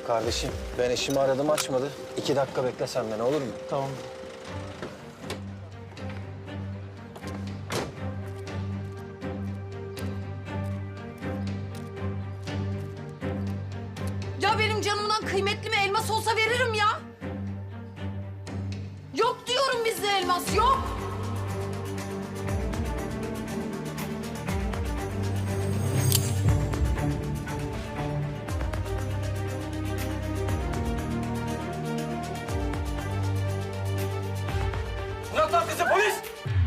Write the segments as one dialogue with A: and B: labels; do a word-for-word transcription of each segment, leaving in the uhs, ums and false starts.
A: Kardeşim ben eşimi aradım açmadı. İki dakika bekle sen beni olur mu?
B: Tamam.
C: Ya benim canımdan kıymetli mi elmas olsa veririm ya. Yok diyorum bizde elmas, yok.
B: Bırak lan kızı polis!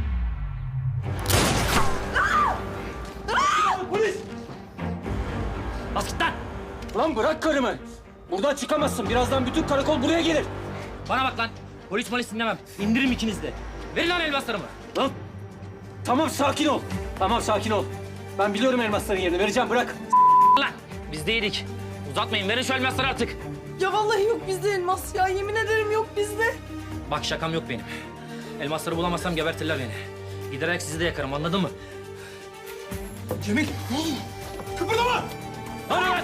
B: Polis!
D: Bas git lan!
B: Lan bırak karımı. Buradan çıkamazsın. Birazdan bütün karakol buraya gelir.
D: Bana bak lan! Polis polis dinlemem. İndiririm ikiniz de. Verin lan elmaslarımı.
B: Lan tamam sakin ol. Tamam sakin ol. Ben biliyorum elmasların yerini. Vereceğim bırak.
D: Lan! Biz değildik. Uzatmayın, verin şu elmasları artık.
C: Ya vallahi yok bizde elmas ya. Yemin ederim yok bizde.
D: Bak şakam yok benim. Elmasları bulamazsam gebertirler beni. Giderek sizi de yakarım, anladın mı?
B: Cemil. Kıpırdama.
D: Hadi lan!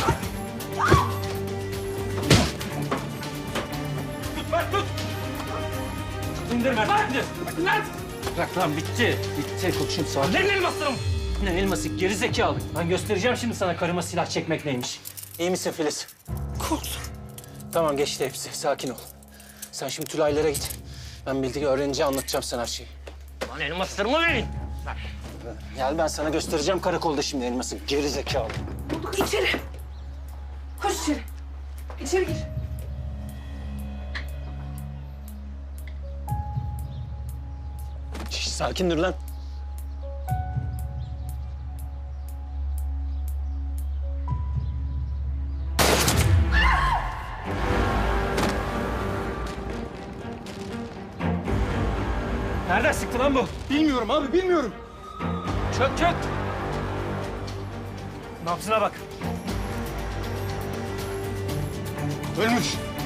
B: Tut bak tut. İndirme. İndir. Lan. Bırak lan bitti. Bitti koçum sakin.
D: Verin elmaslarımı!
B: Ne elması gerizekalı. Ben göstereceğim şimdi sana karıma silah çekmek neymiş.
A: İyi misin Filiz? Korktum. Tamam geçti hepsi. Sakin ol. Sen şimdi Tülay'lara git. Ben bildiği öğrenince anlatacağım sana her şeyi.
D: Lan elmaslarımı verin!
A: Gel ben sana göstereceğim karakolda şimdi elması. Geri zekalı.
C: Bulduk içeri. Koş içeri. İçeri gir.
A: Şş, sakin dur lan.
B: Nereden sıktı lan bu? Bilmiyorum abi bilmiyorum. Çök çök. Nabzına bak.
E: Ölmüş.